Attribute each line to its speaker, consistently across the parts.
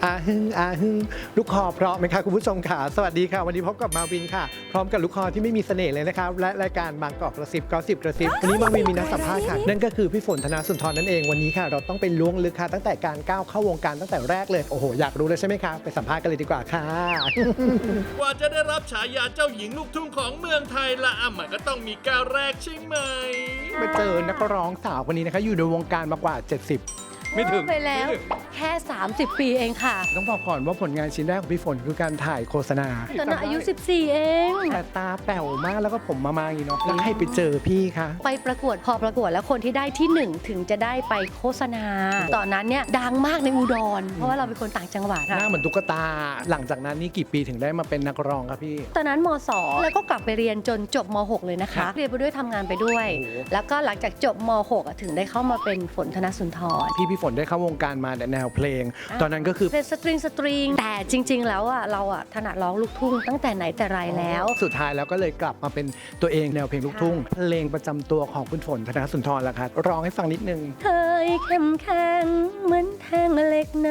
Speaker 1: อาฮึงอาฮึงลูกคอเพราะไหมคะคุณผู้ชมค่ะสวัสดีค่ะวันนี้พบกับมาวินค่ะพร้อมกับลูกคอที่ไม่มีเสน่ห์เลยนะครับและรายการบางกอกกระซิบก็สิบกระซิบวันนี้มาวินมีนักสัมภาษณ์ค่ะนั่นก็คือพี่ฝนธนาสุนทรนั่นเองวันนี้ค่ะเราต้องไปล้วงลึกค่ะตั้งแต่การก้าวเข้าวงการตั้งแต่แรกเลยโอ้โหอยากรู้เลยใช่ไหมคะไปสัมภาษณ์กันเลยดีกว่าค่ะ
Speaker 2: กว่าจะได้รับฉายาเจ้าหญิงลูกทุ่งของเมืองไทยละมันก็ต้องมีก้าวแรกใช่ไหม
Speaker 1: มาเจอนักร้องสาวคนนี้นะคะอยู่ในวงการมากว่า 70 ไม่ถึง
Speaker 3: ไปแล้วแค่ 30 ปีเองค่ะ
Speaker 1: ต้องบอกก่อนว่าผลงานชิ้นแรกของพี่ฝนคือการถ่ายโฆษณา
Speaker 3: ตอนนั้นอายุ 14 เอง
Speaker 1: แต่ตาแป๋วมากแล้วก็ผมมาอย่างนี้เนาะแล้วให้ไปเจอพี่คะ
Speaker 3: ไปประกวดพอประกวดแล้วคนที่ได้ที่ 1 ถึงจะได้ไปโฆษณา ตอนนั้นเนี่ยดังมากในอุดร เพราะว่าเราเป็นคนต่างจังหวัด
Speaker 1: หน้าเหมือนตุ๊กตาหลังจากนั้นนี่กี่ปีถึงได้มาเป็นนักร้องครับพี่
Speaker 3: ตอนนั้นม2แล้วก็กลับไปเรียนจนจบม6เลยนะคะ เรียนไปด้วยทำงานไปด้วย
Speaker 1: โอ้โห
Speaker 3: แล้วก็หลังจากจบม6ถึงได้เข้ามาเป็นฝนธนสุนทร
Speaker 1: พี่ฝนได้เข้าวงการมาแนวเพลง ตอนนั้นก็คือ
Speaker 3: เป็นสตริงแต่จริง ๆ แล้วเราถนัดร้องลูกทุ่งตั้งแต่ไหนแต่ไรแล้ว
Speaker 1: สุดท้ายแล้วก็เลยกลับมาเป็นตัวเองแนวเพลงลูกทุ่งเพลงประจำตัวของคุณฝนธนสุนทรละครับร้องให้ฟังนิดนึง
Speaker 3: เคยเข้มแข็งเหมือนแท่งเหล็กนา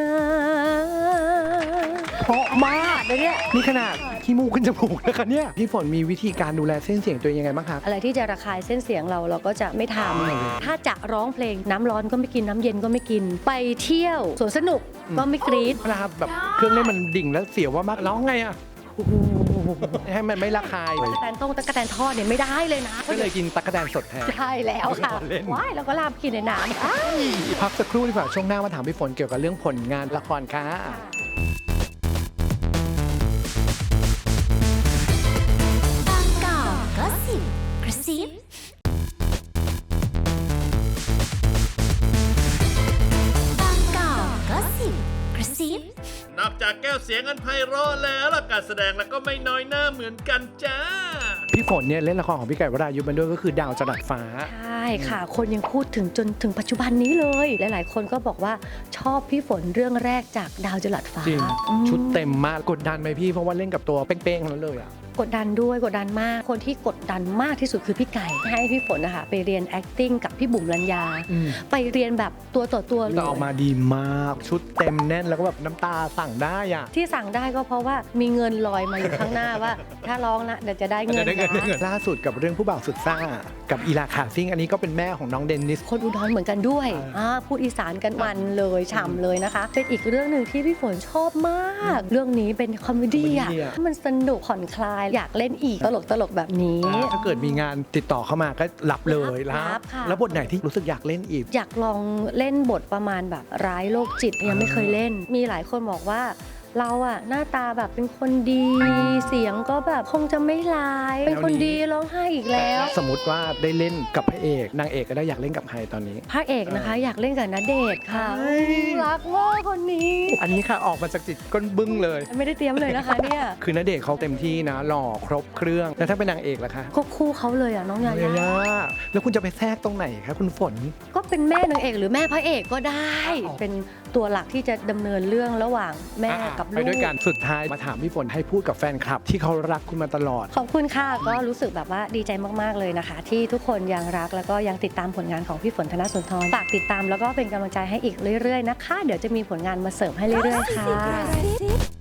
Speaker 1: เพราะมากเลยเนี่ยนี่ขนาดขี้มูกขึ้นจมูกนะคะเนี่ยพี่ฝนมีวิธีการดูแลเส้นเสียงตัวเองยังไงบ้างครับ
Speaker 3: อะไรที่จะระคายเส้นเสียงเราก็จะไม่ทำถ้าจะร้องเพลงน้ำร้อนก็ไม่กินน้ำเย็นก็ไม่กิน ไปเที่ยวสวนสนุกก็ไม่กรี๊ด
Speaker 1: เวลาแบบเครื่องเล่นมันดิ่งแล้วเสียวว่ามากร้องไงอ่ะให้มันไม่ระคาย
Speaker 3: ตะกะแตนต้งตะกะแตนทอดเนี่ยไม่ได้เลยนะ
Speaker 1: ก็เลยกินตั๊กแตนสดแทน
Speaker 3: ใช่แล้วค่ะ
Speaker 1: เล่น
Speaker 3: ว้ายแล้วก็ลาบกินในน้ำ
Speaker 1: พักสักครู่ดีกว่าช่วงหน้ามาถามพี่ฝนเกี่ยวกับเรื่องผลงานละครค่ะ
Speaker 4: บางกอกก็สิบกระซิบางกอกก็สิบกระซิบ
Speaker 2: นอกจากแก้วเสียงอันไพเราะแล้วล่ะการแสดงแล้วก็ไม่น้อยหน้าเหมือนกันจ้า
Speaker 1: พี่ฝนเนี่ยเล่นละครของพี่ไก่วรายุมันด้วยก็คือดาวจรัสฟ้า
Speaker 3: ใช่ค่ะ คนยังพูดถึงจนถึงปัจจุบันนี้เลย หลายๆ คนก็บอกว่าชอบพี่ฝนเรื่องแรกจากดาวจรัสฟ้า
Speaker 1: จริง
Speaker 3: อืม
Speaker 1: ชุดเต็มมากกดดันไหมพี่เพราะว่าเล่นกับตัวเป้งๆนั้นเลยอ่ะ
Speaker 3: กดดันด้วยกดดันมาก คนที่กดดันมากที่สุดคือพี่ไก่ ให้พี่ฝนนะคะไปเรียน acting กับพี่บุ๋มลัญญา
Speaker 1: อืม
Speaker 3: ไปเรียนแบบตัวต่อตัวเล
Speaker 1: แต่
Speaker 3: ย
Speaker 1: ออกมาดีมากชุดเต็มแน่นแล้วก็แบบน้ำตาสั่งได้อ่ะ
Speaker 3: ที่สั่งได้ก็เพราะว่ามีเงินลอยมาอยู่ข้างหน้าว่า ถ้าร้องนะเดี๋ยวจะได้เงินนะ
Speaker 1: ล่าสุดกับเรื่องผู้บ่าวสุดซ่ากับอีลาขาซิ่งอันนี้ก็เป็นแม่ของน้องเดนนิส
Speaker 3: คนอุดรเหมือนกันด้วยพูดอีสานกันมันเลยฉ่ำเลยนะคะ เป็นอีกเรื่องหนึ่งที่พี่ฝนชอบมาก เรื่องนี้เป็นคอมเมดี้อ่ะ
Speaker 1: คอมเมดี้อะ
Speaker 3: มันสนุกผ่อนคลายอยากเล่นอีกตลกแบบนี้
Speaker 1: ถ้าเกิดมีงานติดต่อเข้ามาก็รับเลย
Speaker 3: รับค่ะ
Speaker 1: แล้วบทไหนที่รู้สึกอยากเล่นอีก
Speaker 3: อยากลองเล่นบทประมาณแบบร้ายโรคจิตยังไม่เคยเล่น มีหลายคนบอกว่าเราอะหน้าตาแบบเป็นคนดี เสียงก็แบบคงจะไม่ร้าย เป็นคนดีร้องไห้อีกแล้ว
Speaker 1: สมมติว่าได้เล่นกับพระเอกนางเอกก็ได้อยากเล่นกับใครตอนนี้
Speaker 3: พระเอกนะคะ อยากเล่นกับณเดชน์ค่ะ
Speaker 1: เฮ้ย
Speaker 3: รักมากคนนี้
Speaker 1: อันนี้ค่ะออกมาจากจิตก้นบึ้งเลย
Speaker 3: ไม่ได้เตรียมเลยนะคะเนี่ย
Speaker 1: คือณเดชน์เขาเต็มที่นะหล่อครบเครื่องแล้วถ้าเป็นนางเอกล่ะคะ
Speaker 3: ก็คู่เขาเลยอะน้องยา
Speaker 1: เย
Speaker 3: ย่า
Speaker 1: ย่าแล้วคุณจะไปแทรกตรงไหนคะคุณฝน
Speaker 3: ก็เป็นแม่นางเอกหรือแม่พระเอกก็ได้ เป็นตัวหลักที่จะดำเนินเรื่องระหว่างแม่กับ
Speaker 1: ไป
Speaker 3: ลูก
Speaker 1: ด้วยกันสุดท้ายมาถามพี่ฝนให้พูดกับแฟนคลับ ที่เขารักคุณมาตลอด
Speaker 3: ขอบคุณค่ะก็รู้สึกแบบว่าดีใจมากๆเลยนะคะ ที่ทุกคนยังรักแล้วก็ยังติดตามผลงานของพี่ฝนธนสุนทรฝากติดตามแล้วก็เป็นกำลังใจให้อีกเรื่อยๆนะคะ เดี๋ยวจะมีผลงานมาเสริมให้เรื่อยๆค่ะ